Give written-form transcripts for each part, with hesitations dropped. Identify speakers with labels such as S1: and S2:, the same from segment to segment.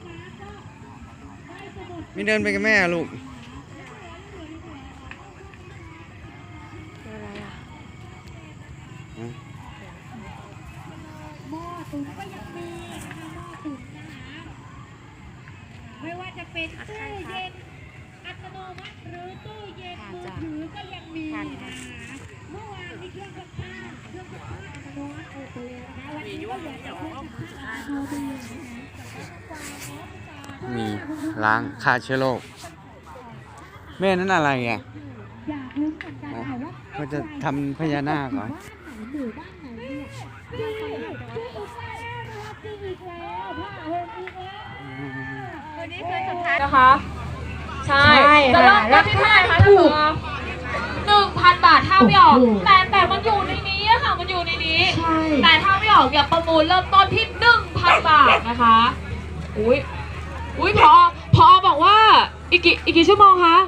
S1: ไม่เดินไปกับแม่ลูก
S2: หม้อตุ๋นก็ยังมีนะคะหม้อตุ๋นนะคะไม่ว่าจะเป็นตู้เย็นอัตโนมัติหรือตู้เย็นมือถือก็ยังมีนะคะเมื่อวานมีเครื่องซักผ้าอัตโนมัติออกไปเลยนะคะวันนี้ก็เหลือแต่เครื่องซักผ้าอัตโนมัติ
S1: มีล้างฆ่าเชื้อโรคแม่นั่นอะไรอ่ะ
S2: อยากรู้เหมือนกันค่ะว่า
S1: เขาจะทำพญานาคเหรอ
S2: บ้านไหนหมู่บ้านไหนเนี่ยจริงอีกแล้วนะคะจริงอีกแล้วผ้าห่มอีกแล้ววันนี้คือสุดท้าย
S3: นะคะใช่จะเริ่มต้นที่เท่าไหร่คะถูก1,000 บาทถ้าไม่ออกแต่มันอยู่ในนี้อะค่ะมันอยู่ในนี้แต่ถ้าไม่ออกอย่าประมูลเริ่มต้นที่ 1,000 บาทนะคะอุ้ยพอบอกว่าอีกกี่ชั่วโมงคะ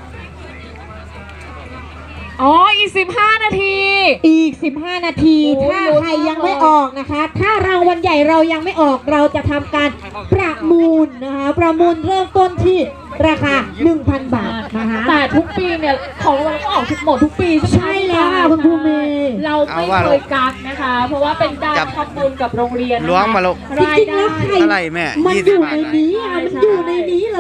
S3: อ๋ออีก15 นาที
S4: อีก15 นาทีถ้าใครยังไม่ออกนะคะถ้ารางวัลใหญ่เรายังไม่ออกเราจะทำการประมูลนะคะประมูลเริ่มต้นที่ราคา 1,000 บาทนะคะ
S3: แต่ทุกปีเนี่ยของเราก็ออกหมดทุกปี
S4: ใช่แล้วค่ะคุณครูเมย์
S3: เราไม่เคยกักนะคะเพราะว่าเป็นการทำบุญกับโรงเรียน
S1: ล้วงมาลูก
S4: จริงๆแล้วใคร
S1: เท่าไหร่แม่
S4: มันอยู่ในนี้มันอยู่ในนี้เลย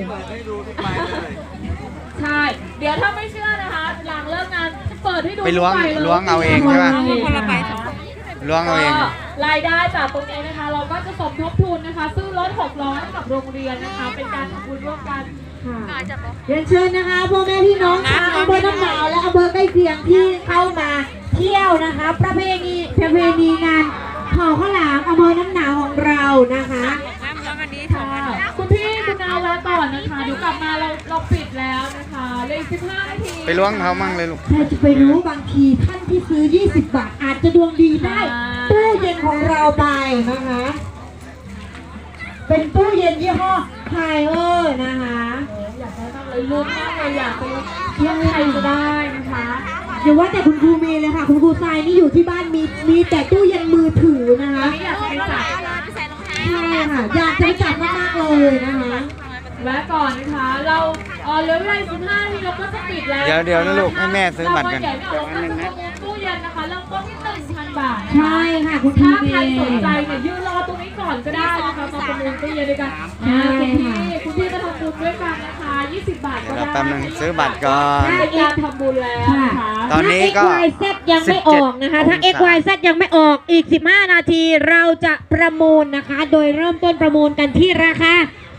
S3: ใช่เดี๋ยวถ้าไม่เชื่อนะคะหลังเลิกงานเปิดให้ดู
S1: ไปล้วงเอาเองใช่ป่ะล้วงเอาเอง
S3: รายได้จากตรงนี้นะคะเราก็จะสมทบทุนนะคะซื้อรถ6 ล้อให้กับโรงเรียนนะคะเป็นการทำบุญร่วมกัน
S4: เรียนเชิญนะคะพ่อแม่พี่น้องชาวอำเภอน้ำหนาวและอำเภอใกล้เคียงที่เข้ามาเที่ยวนะคะประเพณีงานเผาข้าวหลามอำเภอน้ำหนาวของเรานะคะ
S3: คุณพี่คุณนาวลาก่อนนะคะเดี๋ยวกลับมาเราปิดแล้วนะคะเลย15 นาที
S1: ไปล้วงเขามั่งเลยลูก
S4: ใครจะไปรู้บางทีท่านที่ซื้อ20 บาทอาจจะดวงดีได้ตู้เย็นของเราไปนะคะเป็นตู้เย็นยี่ห้อไฮเออร์นะคะ
S3: อยากได้มากเลยลุ้นมากเลยอยากไปยังใครจะได้นะคะ
S4: อย่าว่าแต่คุณครูเมย์เลยค่ะคุณครูทรายนี่อยู่ที่บ้านมีแต่ตู้เย็นมือถือนะคะ
S3: อยากไปจับ
S4: ใช่ค่ะอยากจะจับมากๆเลยนะคะ
S3: แวะก่อนนะคะเราเหลือเวลา15 นาทีเราก็จะปิดแล้ว
S1: เดี๋ยวนะลูกให้แม่ซื้อบัตรกัน
S3: ตู้เย็นนะคะเริ่มต้นที่ 1,000 บาท
S4: ใช่ค่ะคุณพี่
S3: ถ้าใครสนใจเนี่ยยืนรอตรงนี้ก่อนก็ได้นะคะมาประมูลตู้เย็นด้วยกันคุณพี่ก็ทำบุญด้วยกันนะคะ20 บาทก็ได้
S1: แป๊บนึงซื้อบัตรก่อน
S3: เป็นการทำบุญแล้วนะคะ
S1: ตอนนี้ก็
S4: XYZ ยังไม่ออกนะคะถ้า XYZ ยังไม่ออกอีก15 นาทีเราจะประมูลนะคะโดยเริ่มต้นประมูลกันที่ราคา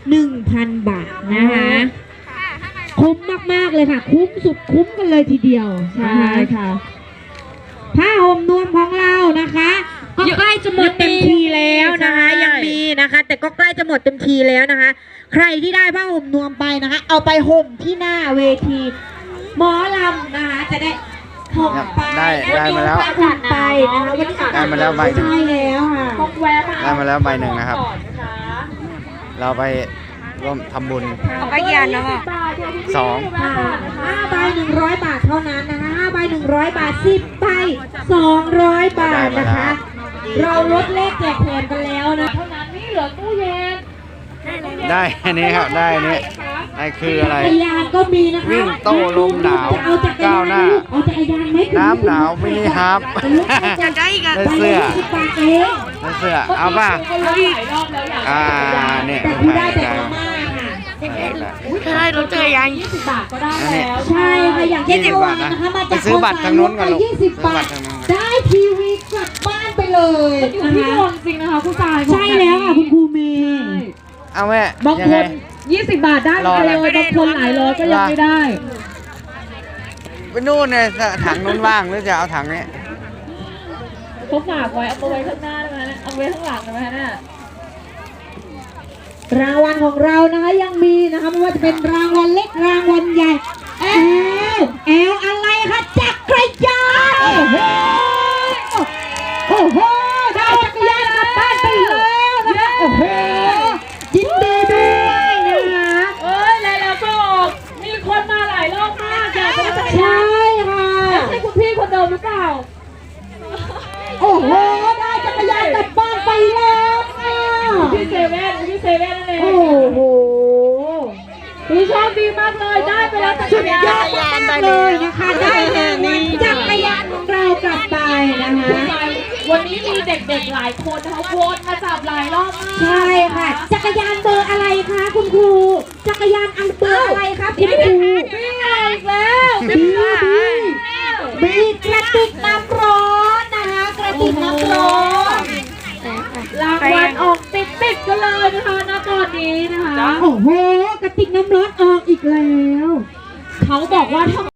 S4: 1,000 บาทนะคะคุ้มมากๆเลยค่ะคุ้มสุดคุ้มกันเลยทีเดียว
S3: ใช่ค่ะ
S4: ผ้าห่มนวมของเรานะคะก็ใกล้จะหมดเต็มทีแล้วนะคะยังมีนะคะแต่ก็ใกล้จะหมดเต็มทีแล้วนะคะใครที่ได้ผ้าห่มนวมไปนะคะเอาไปห่มที่หน้าเวทีหมอลำนะคะจะได้ห่มไป
S1: ได้มาแล้ว
S4: ไปนะคะวันนี้
S1: ได้มาแล้วใบหนึ่ง
S4: ใช่แล้วค่ะ
S1: ได้มาแล้วใบหนึ่งนะครับเราไปร่วมทำบุญ
S4: เอาไปยันเนาะ5 ใบ 100 บาทเท่านั้นนะคะ5 ใบ 100 บาท10 ใบ 200 บาทนะคะเราลดเลขแจกแถมกันแล้วนะ
S3: เท่านั้นนี่เหลือตู้เย็น
S1: ได้อันนี้ครับได้อันนี้ไอ้คืออะไร
S4: จักรยานก็มีนะคะ
S1: วิ่งโต้ลมหนาวก้าวหน้าน้ำหนาวมินิฮาร์ปได้เสื้อเอาป่ะเนี่ย
S4: ได้รถจักรยาน
S3: 20 บาทก็ได้แล้ว
S4: ใช่ค่ะอย่างเช่นเมื่อวานนะคะมาจาก
S1: ซื้อบัตรทางโน้นก่อนลูก
S4: 20 บาทได้ทีวีกลับบ้านไปเลย
S3: อยู่ที่ดวงจริงนะคะคุณตาย
S4: ใช่แล้วค่ะคุณครูเมย์
S1: เอาแม่
S3: บางคน20 บาทได้เลยบางคนหลายร้อยก็ยังไม่ได้
S1: ไปนู่นเนี่ยถังนู้นว่างหรือจะเอาถังนี้
S3: เขาฝากไว้เอาไว้ข้างหน้าได้ไหมเอาไว้ข้างหลังได้ไหมเนี่ย
S4: รางวัลของเรานะคะยังมีนะคะไม่ว่าจะเป็นรางวัลเล็กรางวัลใหญ่แอลอะไรคะจักรยานโอ้โหได้จักรยานกลับบ้านไปแล้วนะคะโอ้โหยินดีด้วยนะคะ
S3: แล้วก็มีคนมาหลายรอบมากอยากไปจักรยาน
S4: ใช่ค่ะ
S3: ใช่คุณพี่คนเดิมหรือเปล่า
S4: โอ้โหได้จักรยานกลับบ้านไปแล้วค่ะ
S3: พี่เซลเว่นที่เซเว่นนั่นเอง
S4: โอ้โห
S3: คือโชคดีมากเลยได้ไปแล้ว
S4: สุดยอดมากเลยนะคะได้รางวัลจักรยานของเรากลับไปนะคะ
S3: วันนี้มีเด็กๆหลายคนนะคะวนมาจับหลายรอบมาก
S4: ใช่ค่ะ จักรยานเบอร์อะไรคะคุณครู จักรยานอันเบอร์อะไรคะคุณครู
S3: นี่ไงอีกแล้ว
S4: บีกระติกน้ำร้อนนะคะกระติกน้ำร้อน
S3: รางวัลออกติดกันเลยนะคะณตอนนี้นะคะ
S4: โอ้โหกระติกน้ำร้อนออกอีกแล้ว
S3: เขาบอกว่าถ้า